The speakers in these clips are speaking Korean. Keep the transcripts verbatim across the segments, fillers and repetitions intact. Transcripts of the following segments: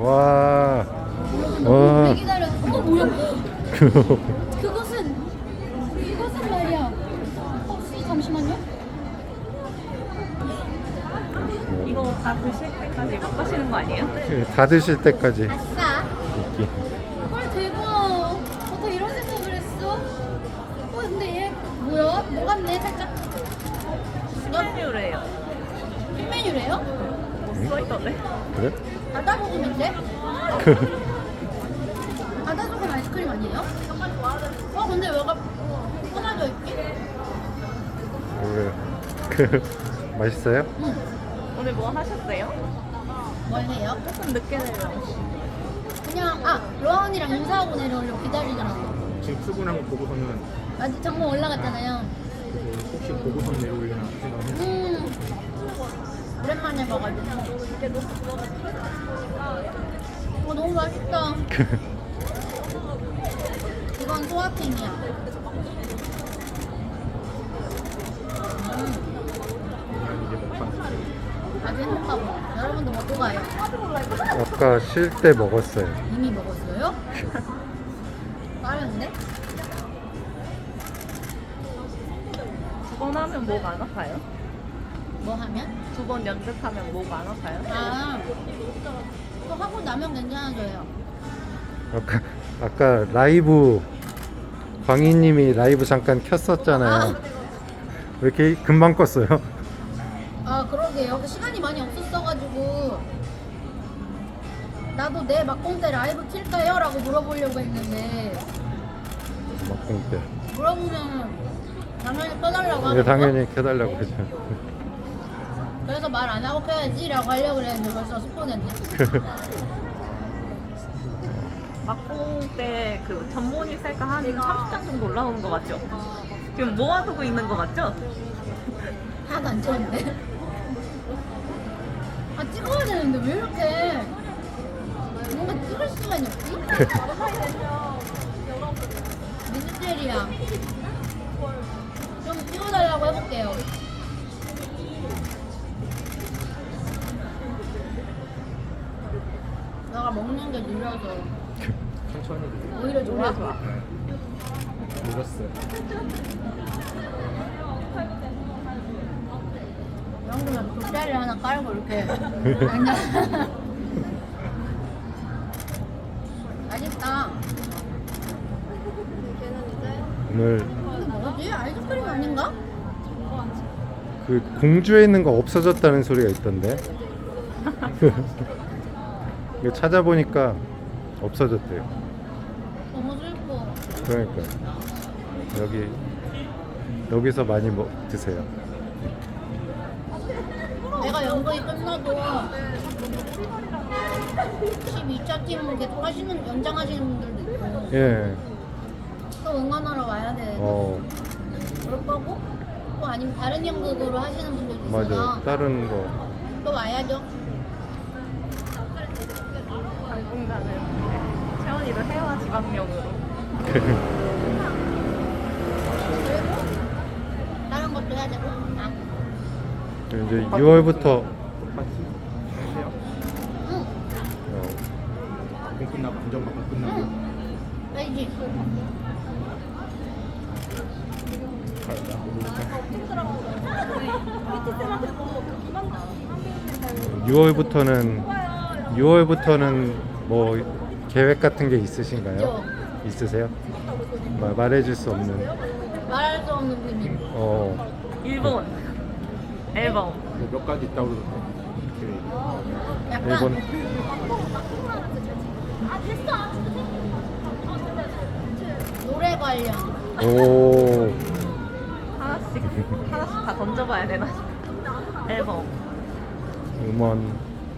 와. 너무 오래 와. 기다려. 어머 뭐야? 그것은 이것은 말이야. 혹시 잠시만요. 이거 다 드실 때까지 못 가시는 거 아니에요? 다 드실 때까지. 아싸. 이렇게. 헐 대박. 어떻게 이런 생각을 했어? 어 근데 얘 뭐야? 녹았네 살짝. 신메뉴래요. 신메뉴래요? 뭐 써있던데? 그래? 바다소금인데? 바다소금 아이스크림 아니에요? 어 근데 왜가 끊어져 있지? 그래. 그 맛있어요? 응. 오늘 뭐 하셨어요? 뭘 해요? 조금 늦게 내려. 그냥 아 로아 언니랑 인사하고 내려오려고 기다리잖아. 지금 출근한 거 보고서는 아직 장모 올라갔잖아요. 혹시 보고선 내려오려나 생각을 음 오랜만에 봐가지고. 어 너무 맛있다. 이건 소화팅이야. 음 이제 먹방 아주 행복하고 여러분도 먹고 가요. 아까 쉴 때 먹었어요. 이미 먹었어요? 빠른데? 두 번 하면 목 안 아파요? 뭐 하면? 두 번 연습하면 목 안 아파요? 아, 또 하고 나면 괜찮아져요. 아까 아까 라이브 광희님이 라이브 잠깐 켰었잖아요. 왜 이렇게 금방 껐어요? 아, 그러게요. 그 시간이 많이 없었어가지고 나도 내 막공 때 라이브 킬까요? 라고 물어보려고 했는데 막공 때. 물어보면 당연히 꺼달라고 이게 하는 거? 당연히 켜달라고 하죠. 그래서 말 안 하고 켜야지 라고 하려고 그랬는데 벌써 스폰했네. 막공 때 그 전문의 셀카 한 삼십 장 정도 올라오는 거 맞죠? 지금 모아두고 있는 거 맞죠? 하나도 안 찍었는데? 아, 찍어야 되는데 왜 이렇게 뭔가 찍을 시간이 없지? 미스테리야. 좀 찍어달라고 해볼게요. 내가 먹는 게 느려서 천천히 드세요. 오히려 좋아. 늦었어요. 이 정도면 돗자리 하나 깔고 이렇게 그냥 맛있다. 오늘 이게 뭐지? 아이스크림 아닌가? 그 공주에 있는 거 없어졌다는 소리가 있던데. 이거 찾아보니까 없어졌대요. 너무 슬퍼. 그러니까 여기 여기서 많이 먹 드세요. 내가 연극이 끝나도 십이 차 팀 계속 하시는 연장하시는 분들도 있고 예. 또 응원하러 와야 돼. 어 그럴 거고 또 아니면 다른 연극으로 하시는 분들도 있어서 맞아. 다른 거. 또 와야죠. 당분간은 채원이도 해와 지방령으로. 그리고 다른 것도 해야 되고. 아, 이제 유월부터 파티 하세요? 응, 어, 공 끝나고 안전방송 끝나고 응. 알지. 유월부터는 유월부터는 뭐 계획 같은 게 있으신가요? 있으세요? 마, 말해줄 수 없는. 말할 수 없는 비밀. 어. 일본 앨범. 뭐몇 가지 있다고 그러던데. 약간 일본. 노래 관련. 오. 하나씩 하나씩 다 던져봐야 되나? 앨범. 음원.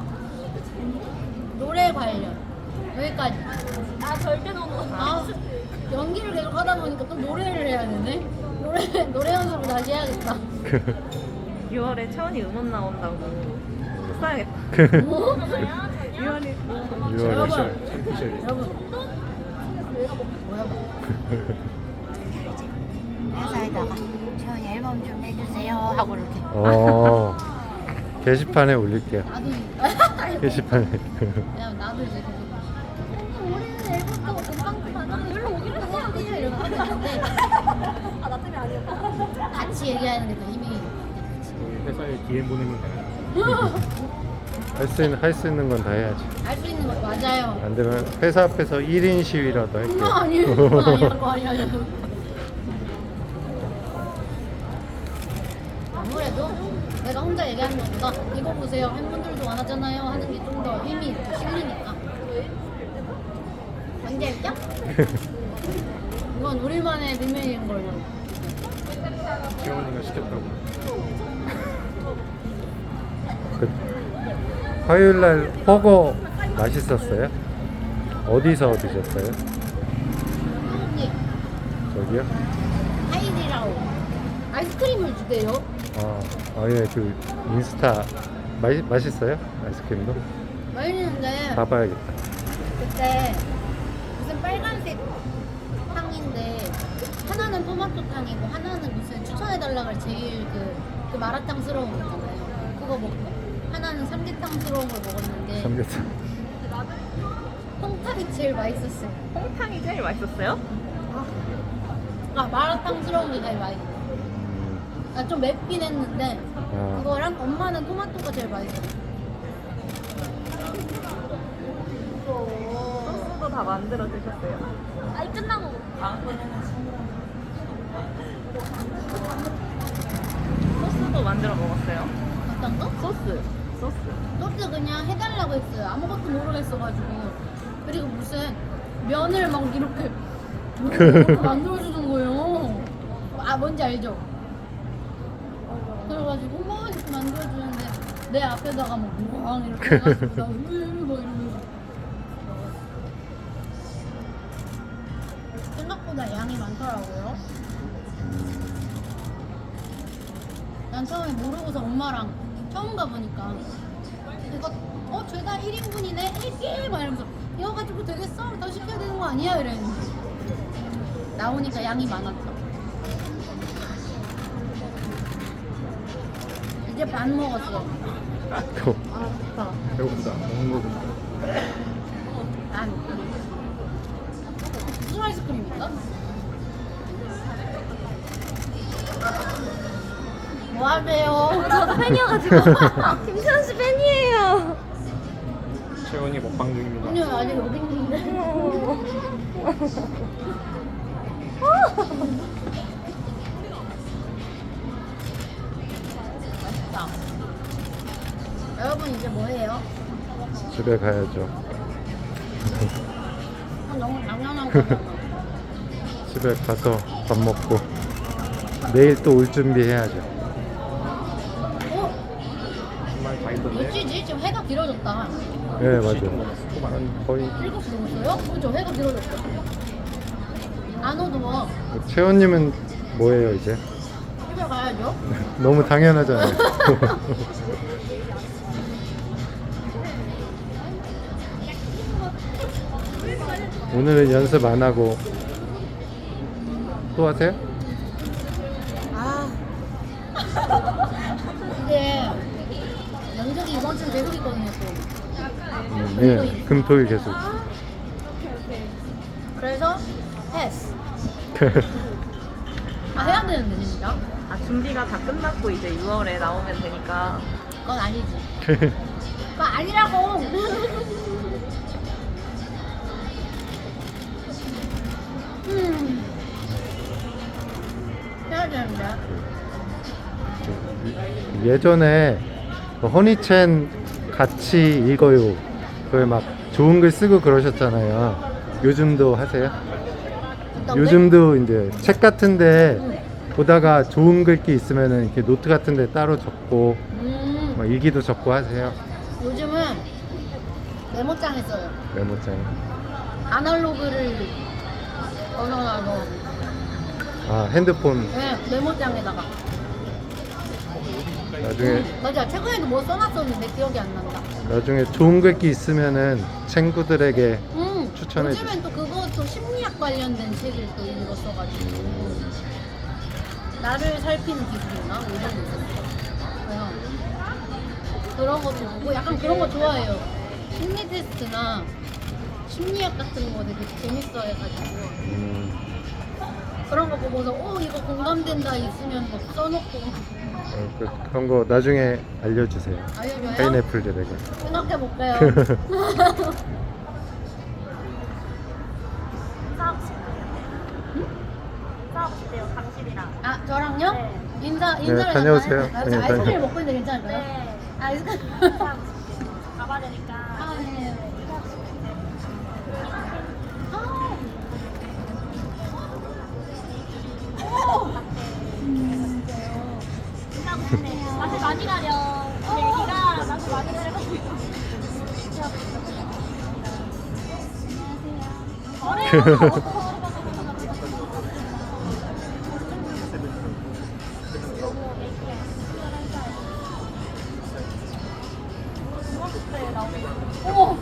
노래 관련. 여기까지. 아 절대 너무. 아 연기를 계속 하다 보니까 또 노래를 해야 되네. 노래 노래 연습을 다시 해야겠다. 유월에 채원이 음원 나온다고 써야겠다. 뭐? 유월이 유월. 여러분, 챔피셜. 여러분. 뭐야? 회사에다가 저 앨범 좀 내주세요 하고 이렇게. 어. 게시판에 올릴게요. 나도 게시판에. 왜냐면 나도 이제 계속 음, 올해는 앨범도 금방 그만 놀러 오기로 했어요 이러고 하는데 아 나 때문에 아니었다 같이 얘기하는 게 더 힘이 저희 회사에 디엠 보내면 돼요. 할 수 있는 할 수 있는 건 다 해야지. 할 수 있는 거 맞아요. 안 되면 회사 앞에서 일 인 시위라도 할게요. 그거 아니에요. 그거 아니야. 그거 아니야. 아무래도 내가 혼자 얘기하는 것보다 이거 보세요. 팬분들도 안 하잖아요. 하는 게 좀 더 힘이 있고 실리니까. 뭔지 알죠? 이건 우리만의 비밀인 걸로. 채원이가 시켰다고. 그 화요일 날 허거 맛있었어요? 어디서 드셨어요? 언니, 저기요? 하이디라오. 아이스크림을 주대요. 아, 아 예, 그 인스타 맛 맛있어요? 아이스크림도? 맛있는데 가봐야겠다. 그때 무슨 빨간색 탕인데 하나는 토마토 탕이고 하나는 무슨 추천해달라고 제일 그, 그 마라탕스러운 거 있잖아요. 그거 먹고 하나는 삼계탕스러운 걸 먹었는데 삼겹살. 홍탕이 제일 맛있었어요. 홍탕이 제일 맛있었어요? 아 마라탕스러운 게 제일 맛있어. 아, 좀 맵긴 했는데 아. 그거랑 엄마는 토마토가 제일 맛있었어. 소스도 다 만들어 드셨어요? 아니 끝나고 아. 소스도 만들어 먹었어요? 어떤 거? 소스. 소스. 소스 그냥 해달라고 했어요. 아무것도 모르겠어가지고. 그리고 무슨 면을 막 이렇게 이렇게 만들어주는 거예요. 아 뭔지 알죠? 그래가지고 막 이렇게 만들어주는데 내 앞에다가 막 우왕 이렇게 해가지고 나 으으 막 이러면서 생각보다 양이 많더라고요. 난 처음에 모르고서 엄마랑 처음 가보니까 이거 어 죄다 일 인분이네 일기 막 이러면서 이거 가지고 되겠어? 더 시켜야 되는 거 아니야? 이랬는데 나오니까 양이 많았죠. 이제 반 먹었어. 또 아 배고프다. 먹는 거 보니까. 반. 무슨 아이스크림인가? 뭐 하세요? 저도 팬이어가지고 김채원 씨 팬이에요. 채원이 먹방 중입니다. 아니요 아직 여기 있는데. 맛있다. 여러분 이제 뭐해요? 집에 가야죠. 아, 너무 당연한 거잖아. 집에 가서 밥 먹고 내일 또 올 준비해야죠. 어? 정말 다 있던데. 어찌지? 지금 해가 길어졌다. 네 시 맞아요. 또 말한 거의 일곱 시 넘었어요? 그죠? 해가 길어졌어. 안 어두워. 채원님은 뭐예요 이제? 집에 가야죠. 너무 당연하잖아요. 오늘은 연습 안 하고 또 하세요? 아. 이게 연극이 이번 주는 계속 있거든요, 또. 음, 예, 금토일 계속. 그래서 패스. 아, 해야 되는데, 진짜? 아, 준비가 다 끝났고 이제 유월에 나오면 되니까. 그건 아니지. 그건 아니라고! 음. 해야 되는데. 예전에 그 허니첸 같이 읽어요. 그걸 막 좋은 글 쓰고 그러셨잖아요. 요즘도 하세요? 어떤 게? 요즘도 이제 책 같은데 보다가 좋은 글귀 있으면은 이렇게 노트 같은데 따로 적고 음. 막 일기도 적고 하세요. 요즘은 메모장에 써요. 메모장에. 아날로그를 걸어놔서 아 핸드폰 네, 메모장에다가. 나중에 맞아, 최근에도 뭐 써놨었는데 기억이 안 난다. 나중에 좋은 글귀 있으면은 친구들에게 음, 추천해 요즘엔 또 그것도 심리학 관련된 책을 또 읽었어가지고 나를 살피는 기술이나 뭐 이런 거 있었어. 그래서 그런 것도 보고 약간 그런 거 좋아해요. 심리 테스트나 심리학 같은 거 되게 재밌어 해가지고 음, 그런 거 보고서 어 이거 공감된다 있으면 막 써놓고 어, 그, 그런 거 나중에 알려주세요. 알려줘요? 파인애플 드래곤. 생각해볼게요. 인사하고 싶대요. 인사하고 싶대요, 당신이랑. 아 저랑요? 네. 인사 네, 인사를 다녀오세요. 잠깐 해- 아, 네, 저 아이스크림 다녀- 먹고 있는데 괜찮을까요? 네. 아이스크림. 인사하고 싶대요. 가봐야 되니까. 아 네. 인사하고 싶대요. 인사하고 싶대요. 맛을 많이 가려. 우리 애기가 맛을 많이 가려가지고. 안녕하세요.